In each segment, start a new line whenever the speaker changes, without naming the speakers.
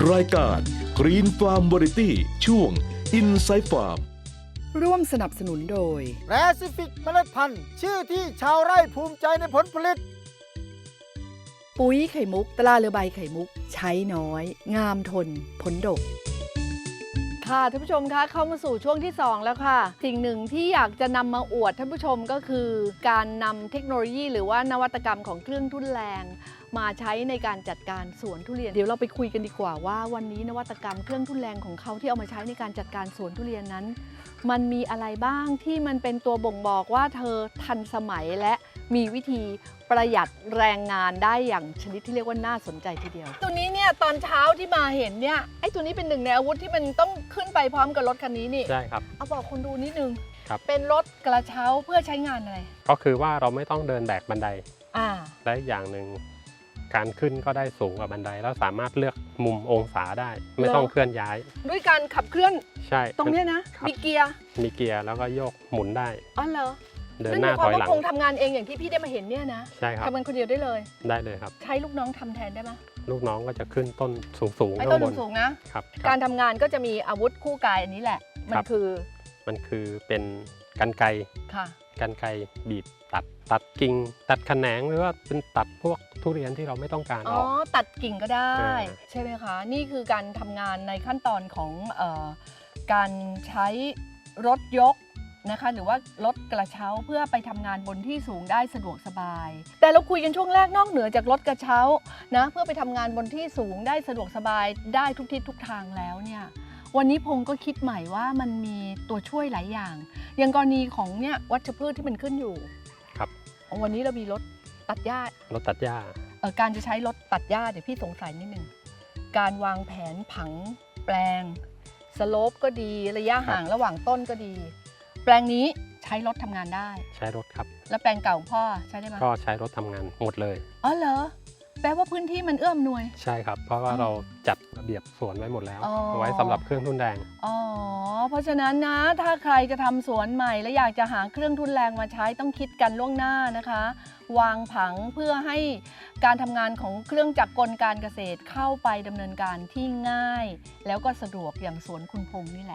รายการ Green Farm Variety ช่วง Inside Farm
ร่วมสนับสนุนโดย
แปซิฟิกเมล็ดพันธุ์ชื่อที่ชาวไร่ภูมิใจในผลผลิต
ปุ๋ยไข่มุกตราเรือใบไข่มุก ใช้น้อย งามทน ผลดก
ค่ะท่านผู้ชมคะเข้ามาสู่ช่วงที่ 2 แล้วค่ะ สิ่งหนึ่งที่อยากจะนำมาอวดท่านผู้ชมก็คือ การนำเทคโนโลยีหรือว่านวัตกรรมของเครื่องทุ่นแรงมาใช้ในการจัดการสวนทุเรียนเดี๋ยวเราไปคุยกันดีกว่าว่าวันนี้นวัตกรรมเครื่องทุ่นแรงของเขาที่เอามาใช้ในการจัดการสวนทุเรียนนั้น มันมีอะไรบ้างที่มันเป็นตัวบ่งบอกว่าเธอทันสมัยและมีวิธีประหยัดแรงงานได้อย่างชนิดที่เรียกว่าน่าสนใจทีเดียวตัวนี้เนี่ยตอนเช้าที่มาเห็นเนี่ยไอ้ตัวนี้เป็นหนึ่งในอาวุธที่มันต้องขึ้นไปพร้อมกับรถคันนี้นี่
ใช่ครับ
เอาบอกคนดูนิดนึง
ครับ
เป็นรถกระเช้าเพื่อใช้งานอะไร
ก็คือว่าเราไม่ต้องเดินแบกบันได
อ่า
และอย่างหนึ่งการขึ้นก็ได้สูงกว่าบันไดแล้วสามารถเลือกมุมองศาได้ ไม่ต้องเคลื่อนย้าย
ด้วยการขับเคลื่อน
ใช่
ตรงเนี้ยนะ
ครับ
มีเกียร์
มีเกียร์แล้วก็โยกหมุนได้
อ๋อเหรอ
เดินหน้าถอยหลัง
คงทำงานเองอย่างที่พี่ได้มาเห็นเนี่ยนะ
ใช่ครับ
ทำงานคนเดียวได้เลย
ได้เลยครับ
ใช้ลูกน้องทำแทนได้ไหม
ลูกน้องก็จะขึ้นต้นสูงๆ
ไอ้
ข้า
ต้น
งบน
สูงๆนะ
ครับ
การทำงานก็จะมีอาวุธคู่กายอันนี้แหละ มั
คน รับ
คือ
มันคือเป็นกรรไกร
ค่ะ
กรรไกรบีบตัดกิ่งตัดแขนงหรือว่าเป็นตัดพวกทุเรียนที่เราไม่ต้องการ
อ๋
อ
อ
อก
ตัดกิ่งก็ได้
อ่า
ใช่ไหมคะ นี่คือการทำงานในขั้นตอนของการใช้รถยกนะคะหรือว่ารถกระเช้าเพื่อไปทำงานบนที่สูงได้สะดวกสบาย แต่เราคุยกันช่วงแรกนอกเหนือจากรถกระเช้านะเพื่อไปทำงานบนที่สูงได้สะดวกสบายได้ทุกทิศทุกทางแล้วเนี่ยวันนี้พงก็คิดใหม่ว่ามันมีตัวช่วยหลายอย่าง อย่างกรณีของเนี่ยวัชพืชที่มันขึ้นอยู่
ครับ
วันนี้เรามีรถตัดหญ้า
รถตัดหญ้า
การจะใช้รถตัดหญ้าเดี๋ยวพี่สงสัยนิดนึงการวางแผนผังแปลงสโลปก็ดีระยะห่างระหว่างต้นก็ดี แปลงนี้ใช้รถทำงานได้
ใช้รถครับ
แล้วแปลงเก่าพ่อใช้ได้ไหม
ก็ใช้รถทำงานหมดเลย
อ๋อเหรอแปลว่าพื้นที่มันเอื้อมหน่วย
ใช่ครับ เพราะว่าเราจัดระเบียบสวนไว้หมดแล้ว
อ๋อ
เอาไว้สำหรับเครื่องทุ่นแรง
อ๋อเพราะฉะนั้นนะถ้าใครจะทำสวนใหม่และอยากจะหาเครื่องทุนแรงมาใช้ต้องคิดกันล่วงหน้านะคะ วางผังเพื่อให้การทำงานของเครื่องจักรกลการเกษตรเข้าไปดำเนินการที่ง่าย แล้วก็สะดวกอย่างสวนคุณพงษ์นี่แหละ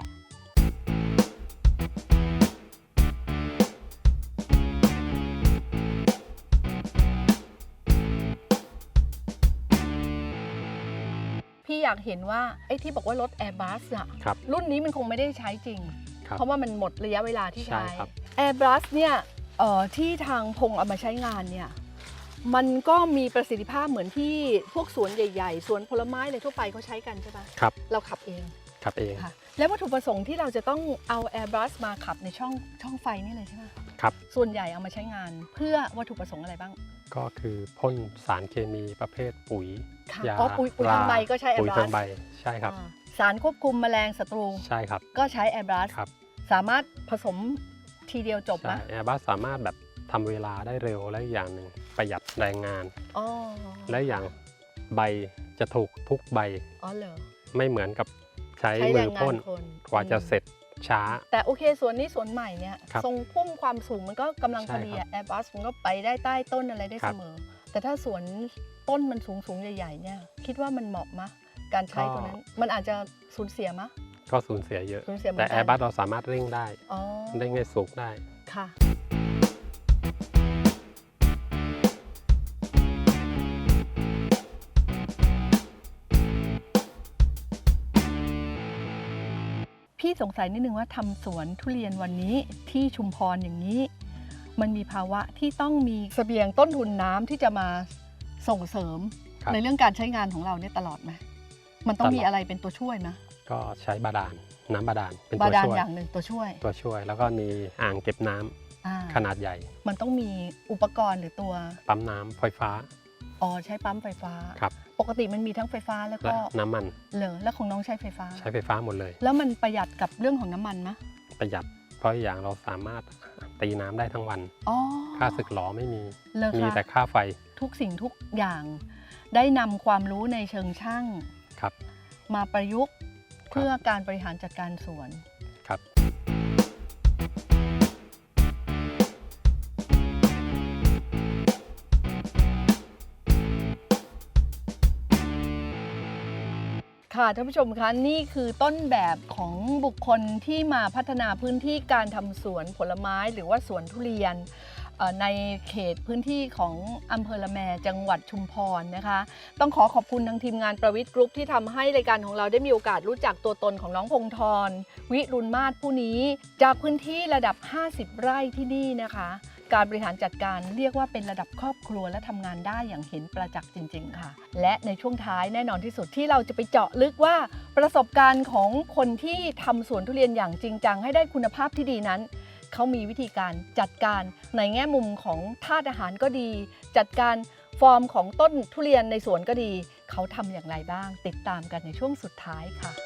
พี่อยากเห็นว่าไอ้ที่บอกว่ารถ Airbus อะ
ครับ
รุ่นนี้มันคงไม่ได้ใช้จริง
ครับ
เพราะว่ามันหมดระยะเวลาที่
ใช่
ใช้
ครับ
Airbus เนี่ยที่ทางพงเอามาใช้งานเนี่ยมันก็มีประสิทธิภาพเหมือนที่พวกสวนใหญ่ๆ สวนผลไม้อะไรทั่วไปเขาใช้กันใช่ปะ
ครับ
เราขับเอง
ขับเอง
ค่ะแล้ววัตถุประสงค์ที่เราจะต้องเอา Airbus มาขับในช่องไฟนี่เลยใช่ไหม
ครับ
ส่วนใหญ่เอามาใช้งานเพื่อวัตถุประสงค์อะไรบ้าง
ก็คือพ่นสารเคมีประเภทปุ๋ย
ค่ะ
ยา
อ๋อปุ๋ยทางใบก็ใช้
ปุ๋ย
Airbus
ทางใบใช่ครับ
สารควบคุมแมลงศัตรู
ใช่ครับ
ก็ใช้ Airbus
ครับ
สามารถผสมทีเดียวจบไหม
ใช่แอร์บัสสามารถแบบทำเวลาได้เร็วและอีกอย่างหนึ่งประหยัดแรงงาน
อ๋อ
และอย่างใบจะถูกทุกใบ
อ๋อเหรอ
ไม่เหมือนกับใช้
ใช้
มื
แร
อง
งา
พ่น
นคน
กว่าจะเสร็จช้า
แต่โอเคสวนนี้สวนใหม่เนี่ย
ครับ
ทรงพุ่มความสูงมันก็กำลังพอดี
ใช่ครับ
แอร์บัสมันก็ไปได้ใต้ต้นอะไรได้
ครั
เส
บ
มอ แต่ถ้าสวนต้นมันสูงใหญ่ๆเนี่ยคิดว่ามันเหมาะมะการใช้ตัวนั้นมันอาจจะสูญเสียมะ
ก็สูญเสียเยอะ
สูญเสียเหมื
แต่
อน
แอ
กัน
ร์บัสเราสามารถเร่งได้
อ๋อ
เร่งให้สูงได้
ค่ะ พี่สงสัยนิดนึงว่าทำสวนทุเรียนวันนี้ที่ชุมพรอย่างนี้ มันมีภาวะที่ต้องมีเสบียงต้นทุนน้ำที่จะมาส่งเสริม
ครับ
ในเรื่องการใช้งานของเราเนี่ยตลอดไหมมันต้อง
ตลอด
มีอะไรเป็นตัวช่วยไหม
ก็ใช้บาดาลน้ำบาดาลเป็น
บา
ตัว
ดาล
ช่วย
อย่างหนึ่งตัวช่วย
แล้วก็มีอ่างเก็บน้ำ
อ่า
ขนาดใหญ่
มันต้องมีอุปกรณ์หรือตัว
ปั๊มน้ำไฟฟ้า
อ๋อใช้ปั๊มไฟฟ้า
ครับ
ปกติมันมีทั้งไฟฟ้าแล้ว
และ
ก็
น้ำมัน
เหรอแล้วของน้องใช้ไฟฟ้า
ใช้ไฟฟ้าหมดเลย
แล้วมันประหยัดกับเรื่องของน้ำมันไหม
ประหยัดเพราะอย่างเราสามารถตีน้ำได้ทั้งวัน
อ๋อ
ค่าสึกหลอไม่มี
เหรอคะ
มีแต่ค่าไฟ
ทุกสิ่งทุกอย่างได้นำความรู้ในเชิงช่าง
ครับ
มาประยุกต์เพื่อการบริหารจัดการสวน
ครับ
คค่ะท่านผู้ชมคะนี่คือต้นแบบของบุคคลที่มาพัฒนาพื้นที่การทำสวนผลไม้หรือว่าสวนทุเรียนในเขตพื้นที่ของอำเภอละแมจังหวัดชุมพรนะคะต้องขอบคุณทางทีมงานประวิทย์กรุ๊ปที่ทำให้รายการของเราได้มีโอกาสรู้จักตัวตนของน้องพงธรวิรุณมาศผู้นี้จากพื้นที่ระดับ50ไร่ที่นี่นะคะการบริหารจัดการเรียกว่าเป็นระดับครอบครัวและทำงานได้อย่างเห็นประจักษ์จริงๆค่ะและในช่วงท้ายแน่นอนที่สุดที่เราจะไปเจาะลึกว่าประสบการณ์ของคนที่ทำสวนทุเรียนอย่างจริงจังให้ได้คุณภาพที่ดีนั้นเขามีวิธีการจัดการในแง่มุมของธาตุอาหารก็ดีจัดการฟอร์มของต้นทุเรียนในสวนก็ดีเขาทำอย่างไรบ้างติดตามกันในช่วงสุดท้ายค่ะ